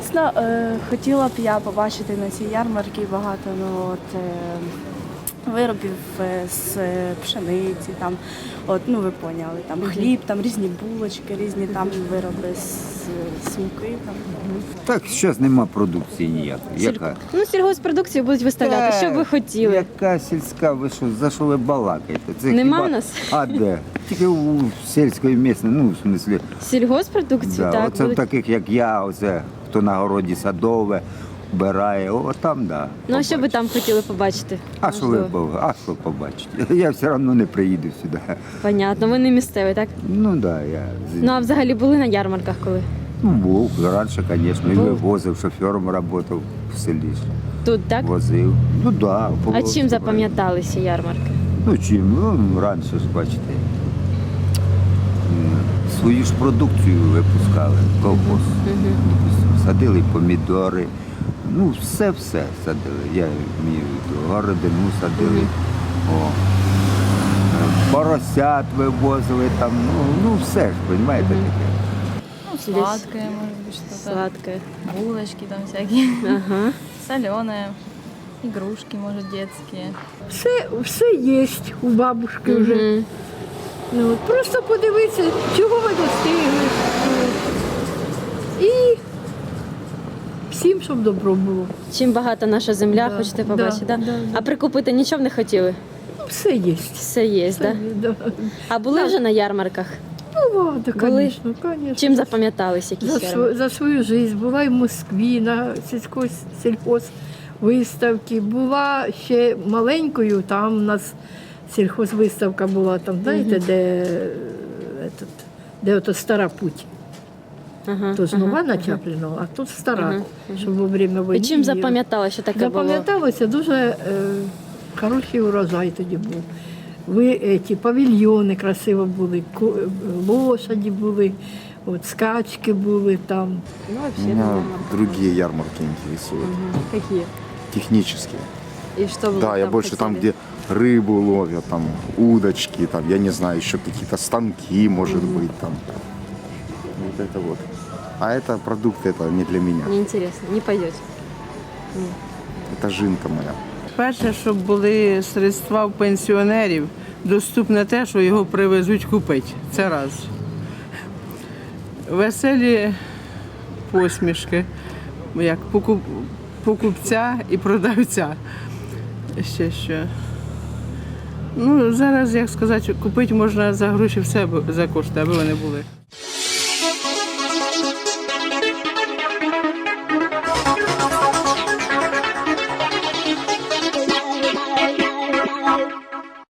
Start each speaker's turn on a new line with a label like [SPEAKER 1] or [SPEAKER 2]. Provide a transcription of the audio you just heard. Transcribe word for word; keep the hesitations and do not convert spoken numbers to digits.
[SPEAKER 1] чесно, е, хотіла б я побачити на цій ярмарці багато ну, от, е, виробів е, з пшениці, там, от, ну ви поняли, там хліб, там різні булочки, різні там вироби з, з муки. Там.
[SPEAKER 2] Так, зараз нема продукції ніякої. Яка?
[SPEAKER 3] Ну, сільгосппродукцію будуть виставляти. Що б ви хотіли?
[SPEAKER 2] Яка сільська, ви що, за що ви балакаєте? Це
[SPEAKER 3] Нема
[SPEAKER 2] хіба...
[SPEAKER 3] в нас?
[SPEAKER 2] А де? Тільки у сільської місцеві, ну, в смислі,
[SPEAKER 3] Сільгоспродукцію,
[SPEAKER 2] да,
[SPEAKER 3] так.
[SPEAKER 2] оце
[SPEAKER 3] будуть.
[SPEAKER 2] таких, як я, оце, хто на городі садове, вбирає, о, там, да.
[SPEAKER 3] Ну, а що ви
[SPEAKER 2] побачите.
[SPEAKER 3] там хотіли побачити?
[SPEAKER 2] А що ви,
[SPEAKER 3] Можливо.
[SPEAKER 2] бо- а що побачите? Я все одно не приїду сюди.
[SPEAKER 3] Понятно, ви не місцеві, так?
[SPEAKER 2] Ну, так, да, я...
[SPEAKER 3] Ну, а взагалі були на ярмарках коли?
[SPEAKER 2] Ну, був, раніше, звісно, і
[SPEAKER 3] Був.
[SPEAKER 2] вивозив, шофером працював в селі.
[SPEAKER 3] Тут, так?
[SPEAKER 2] Возив. Ну, да,
[SPEAKER 3] А
[SPEAKER 2] було
[SPEAKER 3] чим
[SPEAKER 2] все
[SPEAKER 3] запам'яталися ярмарки?
[SPEAKER 2] правильно. Ну, чим? Ну, раніше ж, бачите, м, свою ж продукцію випускали, колхоз. Садили помідори, ну, все-все садили. Я вмію, городину садили. О. Е, Поросят вивозили там, ну, ну все ж, розумієте, таке.
[SPEAKER 4] Ну, сладкое, может быть, что-то.
[SPEAKER 3] Сладке.
[SPEAKER 4] Булочки там всякие.
[SPEAKER 3] Ага.
[SPEAKER 4] Соленое. Игрушки, может, детские.
[SPEAKER 5] Все, все є у бабушки вже.
[SPEAKER 3] Мгм.
[SPEAKER 5] Ну, от просто подивитися, чого ви достигли. І всім, щоб добро було.
[SPEAKER 3] Чим багата наша земля,
[SPEAKER 5] Да,
[SPEAKER 3] хочете
[SPEAKER 5] да,
[SPEAKER 3] побачити, так?
[SPEAKER 5] да, да.
[SPEAKER 3] А прикупити нічого б не хотіли?
[SPEAKER 5] Ну, все є.
[SPEAKER 3] Все є,
[SPEAKER 5] Все
[SPEAKER 3] так?
[SPEAKER 5] є, да.
[SPEAKER 3] А були
[SPEAKER 5] Да.
[SPEAKER 3] вже на ярмарках?
[SPEAKER 5] Бувало,
[SPEAKER 3] Були?
[SPEAKER 5] звісно, звісно.
[SPEAKER 3] Чим запам'ятались якісь
[SPEAKER 5] За,
[SPEAKER 3] ярмарки?
[SPEAKER 5] св- за свою життя була і в Москві на сільсько- сільхозвиставці, була ще маленькою, там у нас сільхозвиставка була, там, знаєте, де, е, этот, де ото стара путь.
[SPEAKER 3] Ага,
[SPEAKER 5] Тут
[SPEAKER 3] ага,
[SPEAKER 5] нова
[SPEAKER 3] ага.
[SPEAKER 5] начаплена, а тут стара,
[SPEAKER 3] Ага,
[SPEAKER 5] щоб во время
[SPEAKER 3] І
[SPEAKER 5] війни.
[SPEAKER 3] чим
[SPEAKER 5] її-
[SPEAKER 3] запам'ятали, що таке було?
[SPEAKER 5] Запам'яталося дуже е, хороший урожай тоді був. Ви, е, ті, павільйони красиво були, ко- е, лошаді були, от, скачки були там.
[SPEAKER 3] Ну, вообще,
[SPEAKER 6] Меня
[SPEAKER 3] на ярмарках.
[SPEAKER 6] другие ярмарки интересуют,
[SPEAKER 3] Какие?
[SPEAKER 6] технические.
[SPEAKER 3] И что вы
[SPEAKER 6] Да, я
[SPEAKER 3] там
[SPEAKER 6] больше там,
[SPEAKER 3] хотели?
[SPEAKER 6] где рыбу ловят, там удочки, там, я не знаю, еще какие-то станки, может быть, там. Вот это вот. А это продукты, это не для меня.
[SPEAKER 3] Неинтересно, не пойдете.
[SPEAKER 6] Это жинка моя.
[SPEAKER 7] Перше, щоб були средства в пенсіонерів, доступне те, що його привезуть купити. Це раз. Веселі посмішки, як покуп- покупця і продавця. Ще що. Ну, зараз, як сказати, купити можна за гроші все за кошти, аби вони були.